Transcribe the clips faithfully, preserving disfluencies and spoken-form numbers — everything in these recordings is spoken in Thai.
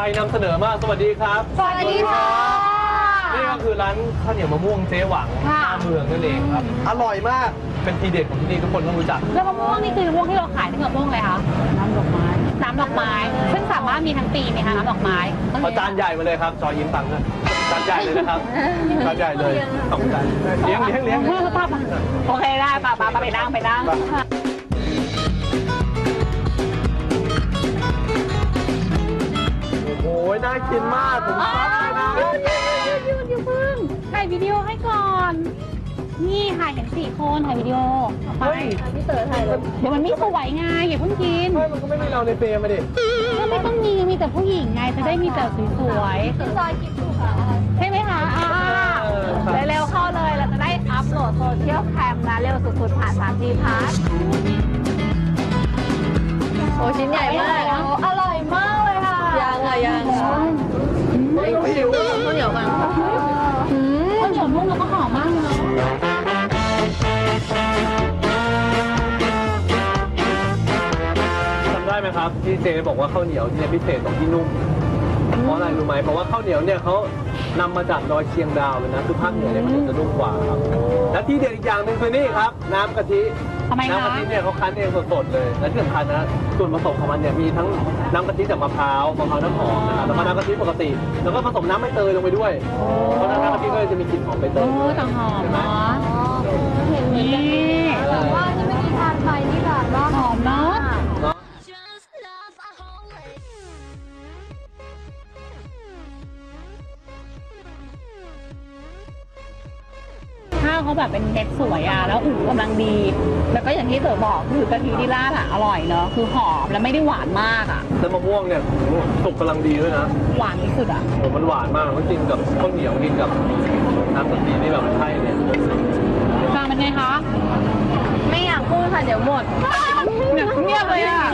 นำเสนอมากสวัสดีครับสวัสดีค่ะนี่ก็คือร้านข้าวเหนียวมะม่วงเจ๊หวังหน้าเมืองนั่นเองครับอร่อยมากเป็นทีเด็ดของที่นี่ทุกคนต้องรู้จักแล้วมะม่วงนี่คือมะม่วงที่เราขายที่มะม่วงอะไรคะน้ำดอกไม้น้ำดอกไม้ซึ่งสามารถมีทั้งปีไหมคะน้ำดอกไม้เอาจานใหญ่มาเลยครับจอยิ้มตังค์นะจานใหญ่เลยนะครับจานใหญ่เลยสองจานเลี้ยงเลี้ยงเลี้ยงป้าป้าโอเคได้ป้าป้าไปนั่งไปนั่งโอ้ยน่ากินมากผมชอบเลยนะยืนยืนพึ่งถ่ายวิดีโอให้ก่อนนี่ถ่ายเห็นสี่คนถ่ายวิดีโอไปพี่เต๋อถ่ายเลยเดี๋ยวมันไม่สวยไงอย่าเพิ่งกินไม่มันก็ไม่มีเราในเฟรมมาดิก็ไม่ต้องมีมีแต่ผู้หญิงไงจะได้มีแต่สวยๆจอยกินถูกค่ะใช่ไหมคะเร็วๆเข้าเลยเราจะได้อัพโหลดโซเชียลแคมนะเร็วสุดๆผ่าน ทรี จี Pass โอ้ชิ้นใหญ่มากอร่อยมากเลยค่ะยังอ่ะยังไม่หิวข้าวเหนียวมันข้าวเหนียวนุ่มแล้วก็หอมมากเลยจำได้ไหมครับที่เจ๊บอกว่าข้าวเหนียวเนี่ยพิเศษตรงที่นุ่มเพราะอะไรรู้ไหมเพราะว่าข้าวเหนียวเนี่ยเขานำมาจากดอยเชียงดาวเลยนะคือภาคเหนือเนี่ยมันจะนุ่มกว่าครับและที่เด็ดอีกอย่างหนึ่งคือนี่ครับน้ำกะทิน้ำกะทิเนี่ยเขาคั้นเองสดๆเลยและที่สำคัญนะส่วนผสมของมันเนี่ยมีทั้งน้ำกะทิจากมะพร้าวมะพร้าวน้ำหอมนะครับแล้วก็น้ำกะทิปกติแล้วก็ผสมน้ำใบเตยลงไปด้วยเพราะน้ำกะทิก็จะมีกลิ่นหอมใบเตยด้วยต่างหอมใช่ไหมเห็นนี่แต่ว่าจะไม่มีทานไทยนี่ค่ะว่าหอมเนาะข้าวเขาแบบเป็นเม็ดสวยอ่ะแล้วอู๋กำลังดีแล้วก็อย่างที่เต๋อบอกคือกะทิที่ราดอ่ะอร่อยเนาะคือหอมแล้วไม่ได้หวานมากอ่ะแล้วมะม่วงเนี่ยสุกกำลังดีด้วยนะหวานที่สุดอ่ะโอ้มันหวานมากมันกินกับข้าวเหนียวกินกับน้ำกะทินี่แบบใช่เนี่ยฟังเป็นไงคะไม่อยากพูดค่ะเดี๋ยวหมดเงียบเลยอ่ะ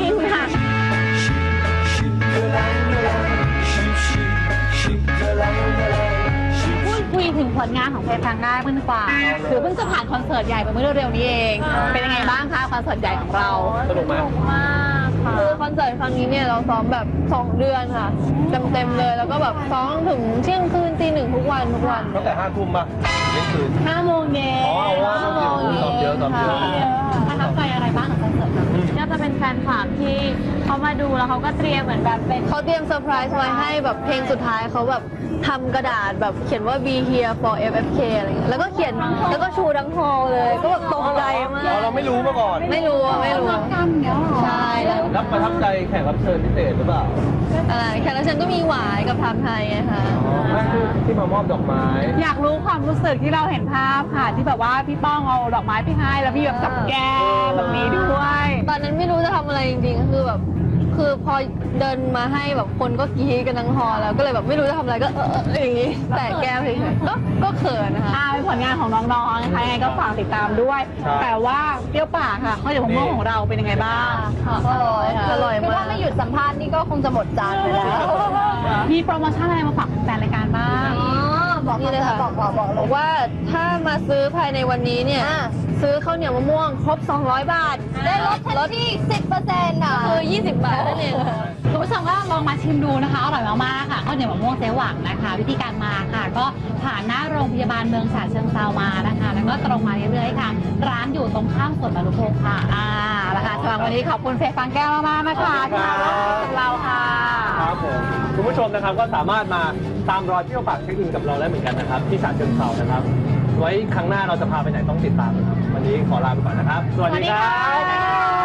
คุยถึงผลงานของเพลงฟังได้เพิ่งกว่าคือเพิ่งจะผ่านคอนเสิร์ตใหญ่ไปเมื่อเร็วๆนี้เองเป็นยังไงบ้างคะคอนเสิร์ตใหญ่ของเราสนุกไหมมากค่ะคือคอนเสิร์ตครั้งนี้เนี่ยเราซ้อมแบบสองเดือนค่ะเต็มๆเลยแล้วก็แบบซ้อมถึงเที่ยงคืนตีหนึ่งทุกวันทุกวันตั้งแต่ห้าทุ่มป่ะเที่ยงคืนห้าโมงเย็นอ๋อห้าโมงเย็นซ้อมเยอะซ้อมเยอะประทับใจอะไรบ้างของคอนเสิร์ตก็จะเป็นแฟนคลับที่เขามาดูแล้วเขาก็เตรียมเหมือนแบบเป็นเขาเตรียมเซอร์ไพรส์ไว้ให้แบบเพลงสุดท้ายเขาแบบทำกระดาษแบบเขียนว่า be here for เอฟ เอฟ เค อะไรเงี้ยแล้วก็เขียนแล้วก็ชูทั้งฮอลเลยก็แบบตกใจมากเราไม่รู้มาก่อนไม่รู้ไม่รู้ใช่แล้วประทับใจแขกรับเชิญพิเศษหรือเปล่าอะไรแขกรับเชิญก็มีหวายกับทำไทยไงคะที่มามอบดอกไม้อยากรู้ความรู้สึกที่เราเห็นภาพค่ะที่แบบว่าพี่ป้องเอาดอกไม้ไปให้แล้วพี่แบบจับแก้แบบนี้ด้วยตอนนั้นไม่รู้จะทำอะไรจริงๆคือแบบคือพอเดินมาให้แบบคนก็กรี๊ดกันทั้งฮอลแล้วก็เลยแบบไม่รู้จะทำอะไรก็เอออย่างนี้แต่แก้มเฉยๆก็ก็เขินนะคะอ่าเป็นผลงานของน้องๆนะคะยังไงก็ฝากติดตามด้วยแต่ว่าเปรี้ยวปากค่ะข้าวเหนียวมะม่วงของเราเป็นยังไงบ้างอร่อยค่ะอร่อยมากถ้าไม่หยุดสัมภาษณ์นี่ก็คงจะหมดจานไปแล้วมีโปรโมชั่นอะไรมาฝากแฟนรายการบ้างบอกนี่เลยค่ะบอกบอกบอกว่าถ้ามาซื้อภายในวันนี้เนี่ยซื้อข้าวเหนียวมะม่วงครบสองร้อยบาทได้ลดลดที่ สิบเปอร์เซ็นต์ อ่ะคือยี่สิบบาทนั่นเองคุณผู้ชมก็ลองมาชิมดูนะคะอร่อยมากๆค่ะข้าวเหนียวมะม่วงเจ๊หวังนะคะวิธีการมาค่ะก็ผ่านหน้าโรงพยาบาลเมืองฉะเชิงเทรามานะคะแล้วก็ตรงมาเรื่อยๆค่ะร้านอยู่ตรงข้ามสวนบรรลุพงศ์ค่ะอ่าแล้วค่ะสำหรับวันนี้ขอบคุณเฟย์ฟังแก้วมากๆนะคะที่มาร่วมกับเราค่ะครับผมคุณผู้ชมนะครับก็สามารถมาตามรอยเที่ยวปากเช็คอินกับเราได้เหมือนกันนะครับที่ฉะเชิงเทรานะครับไว้ครั้งหน้าเราจะพาไปไหนต้องติดตามนะครับวันนี้ขอลาไปก่อนนะครับสวัสดีครับ